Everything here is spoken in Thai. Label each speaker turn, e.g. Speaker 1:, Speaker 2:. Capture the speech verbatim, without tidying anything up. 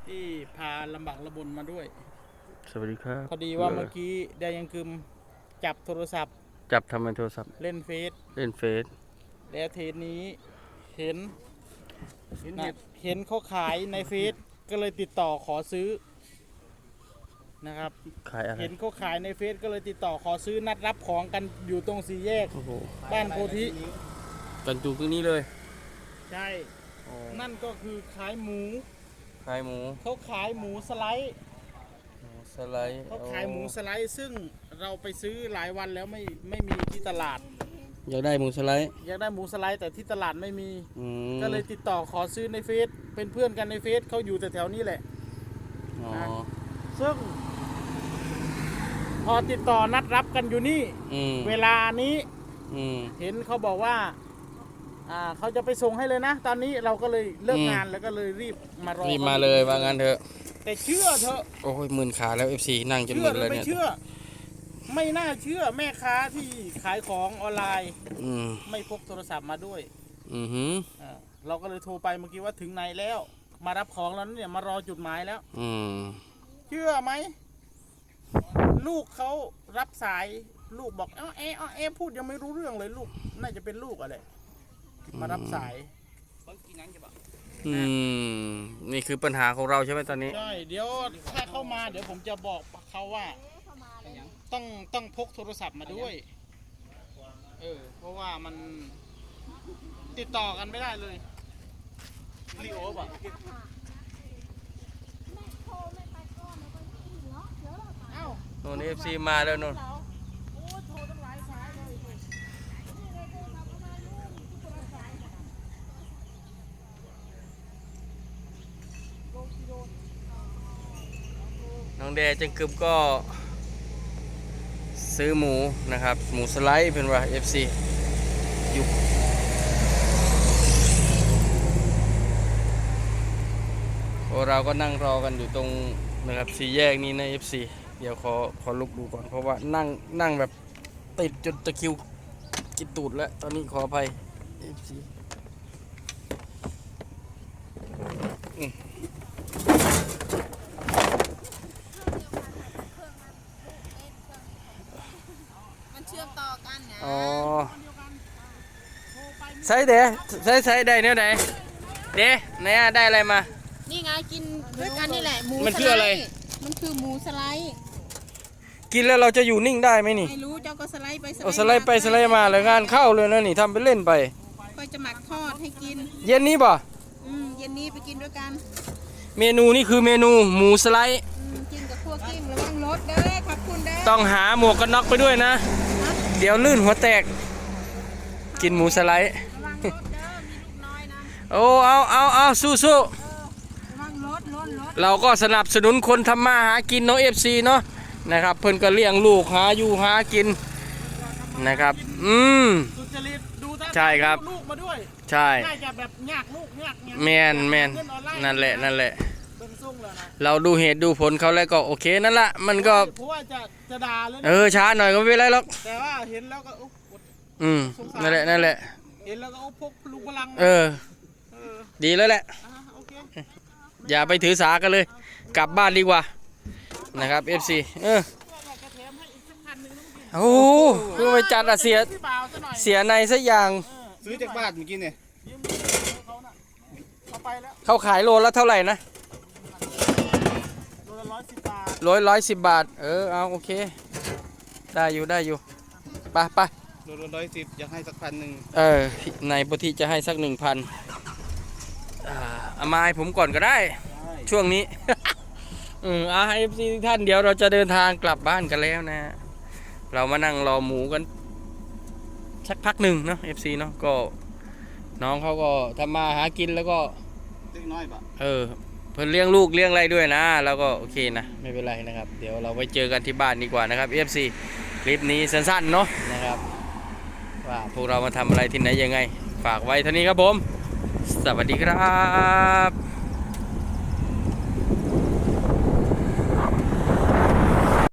Speaker 1: ที่พาลำบากระบนมาด้วย
Speaker 2: สวัสดีครับ
Speaker 1: พอดีว่าเมื่อกี้ได้ยังกึมจับโทรศัพท์
Speaker 2: จับทำไมโทรศัพท์
Speaker 1: เล่นเฟซ
Speaker 2: เล่นเฟซ
Speaker 1: แล้วเทนี้เห็นนะเห็นเขาขายในเฟซก็เลยติดต่อขอซื้อนะครับ
Speaker 2: ขายอะไร
Speaker 1: เห็นเขาขายในเฟซก็เลยติดต่อขอซื้อนัดรับของกันอยู่ตรงสี่แยกบ้านโพธิ
Speaker 2: กันจูตรงนี้เลย
Speaker 1: ใช่นั่นก็คือขายหมู
Speaker 2: ขายหมู
Speaker 1: เขาขายหมูสไลด์
Speaker 2: สไลด์
Speaker 1: เขาขายหมูสไลด์ซึ่งเราไปซื้อหลายวันแล้วไม่ไม่มีที่ตลาด
Speaker 2: อยากได้หมูสไลด์
Speaker 1: อยากได้หมูสไลด์แต่ที่ตลาดไม่มีก็เลยติดต่อขอซื้อในเฟซเป็นเพื่อนกันในเฟซเขาอยู่แต่แถวนี้แหละซึ่งพอติดต่อนัดรับกันอยู่นี่เวลานี้เห็นเขาบอกว่าอ่าเขาจะไปส่งให้เลยนะตอนนี้เราก็เลยเลิกงานแล้วก็เลยรีบมารอ
Speaker 2: รีบมาเลยว่างั้นเถอะ
Speaker 1: แต่เชื่อเถอะ
Speaker 2: โอ้ยหมื่นขาแล้ว เอฟ ซี นั่งจนหมื่นเลยเนี่ย
Speaker 1: ไม่เชื่อไม่น่าเชื่อแม่ค้าที่ขายของออนไลน์ไม่พกโทรศัพท์มาด้วย
Speaker 2: อือหือ
Speaker 1: เราก็เลยโทรไปเมื่อกี้ว่าถึงไหนแล้วมารับของแล้วเนี่ยมารอจุดหมายแล้ว
Speaker 2: อืม
Speaker 1: เชื่อไหมลูกเขารับสายลูกบอกเอ้าเอ๊ะเอ๊ะพูดยังไม่รู้เรื่องเลยลูกน่าจะเป็นลูกอะไรมารับสาย
Speaker 2: อืมนี่คือปัญหาของเราใช่ไหมตอนนี้
Speaker 1: ใช่เดี๋ยวถ้าเข้ามาเดี๋ยวผมจะบอกเขาว่าต้องต้องพกโทรศัพท์มาด้วยเออเพราะว่ามันติดต่อกันไม่ได้เลยรีโอป่ะ
Speaker 2: โน่น เอฟ ซี มาแล้วโน่นน้องแดจังกึบก็ซื้อหมูนะครับหมูสไลด์เป็นว่า เอฟ ซี อยู่เราก็นั่งรอกันอยู่ตรงนะครับสี่แยกนี้นะ เอฟ ซี เดี๋ยวขอขอลุกดูก่อนเพราะว่านั่งนั่งแบบติดจนตะคิวกินตูดแล้วตอนนี้ขออภัย เอฟ ซี
Speaker 3: เชื่อมต่อกันนะ
Speaker 2: อ๋อใส่เด้ใส่ใส่ได้เนี่ยไหนเด้ไหนอะได้อะไรมา
Speaker 3: นี่ไงกินด้วยกันนี่แหละหมู
Speaker 2: มันคืออะไร
Speaker 3: มันคือหมูสไลด์
Speaker 2: กินแล้วเราจะอยู่นิ่งได้ไหมนี่
Speaker 3: ไม่รู้เจ้าก็สไลด์ไปสไลด์
Speaker 2: เอาสไลด์ไปสไลด์มาเลยงานเข้าเลยนะนี่ทำไปเล่นไป
Speaker 3: ก็จะหมักทอดให้กิน
Speaker 2: เย็นนี้ป่ะ
Speaker 3: อืมเย็นนี้ไปกินด้วยกัน
Speaker 2: เมนูนี่คือเมนูหมูสไลด์
Speaker 3: กินกับคั่วกิ้งระวังรถเด้อขอบคุณเด้อ
Speaker 2: ต้องหาหมวกกันน็อกไปด้วยนะเดี๋ยวลื่นหัวแตกกินหมูสไลด์โอ้เอาเอาเอาสู้สู้เราก็สนับสนุนคนทำมาหากินเนาะ เอฟ ซี เนาะนะครับเพิ่นก็เลี้ยงลูกหาอยู่หากินนะครับอืมใช่ครับ
Speaker 1: ลูกมาด้วย
Speaker 2: ใช่
Speaker 1: น่าจะแบบยากลูกยาก
Speaker 2: แมนแมนนั่นแหละนั่นแหละเราดูเหตุดูผลเขาแล้วก็โอเคนั่นแหละมันก็
Speaker 1: เพราะว่าจะจะด่าเลย
Speaker 2: เออช้าหน่อยก็ไม่เป็นไรหรอก
Speaker 1: แต่ว่าเห็นแล้วก็
Speaker 2: อืมนั่นแหละนั่นแหละ
Speaker 1: เห็นแล้วก็พกลุงพลัง
Speaker 2: เออดีแล้วแหละอย่าไปถือสากันเลยกลับบ้านดีกว่านะครับ เอฟ ซี เออโอ้เพื่อไปจัดอะเสียเสียในสักอย่าง
Speaker 1: ซื้อจากบ้านเมื่อกี้เนี่ย
Speaker 2: เขาขายโลละเท่าไหร่นะ
Speaker 1: โลละร้อยสิบบาท
Speaker 2: ร้อยร้อยสิบบาทเออเอาโอเคได้อยู่ได้อยู่ไปไป
Speaker 1: โลละร้อยสิบอยากให้สักพันหนึ่ง
Speaker 2: เออในปกติจะให้สักหนึ่งพันเอามาให้ผมก่อนก็ได้ช่วงนี้อืมอ่าเอฟซีท่านเดี๋ยวเราจะเดินทางกลับบ้านกันแล้วนะเรามานั่งรอหมูกันสักพักหนึ่งเนาะเอฟซีเนาะก็น้องเขาก็ทำมาหากินแล้วก็
Speaker 1: เล็กน้อยปะ
Speaker 2: เออเพิ่นเลี้ยงลูกเลี้ยงอะไรด้วยนะแล้วก็โอเคนะไม่เป็นไรนะครับเดี๋ยวเราไปเจอกันที่บ้านดีกว่านะครับ เอฟ ซี คลิปนี้สั้นๆเนาะนะครับว่าพวกเรามาทำอะไรที่ไหนยังไงฝากไว้เท่านี้ครับผมสวัสดีครับ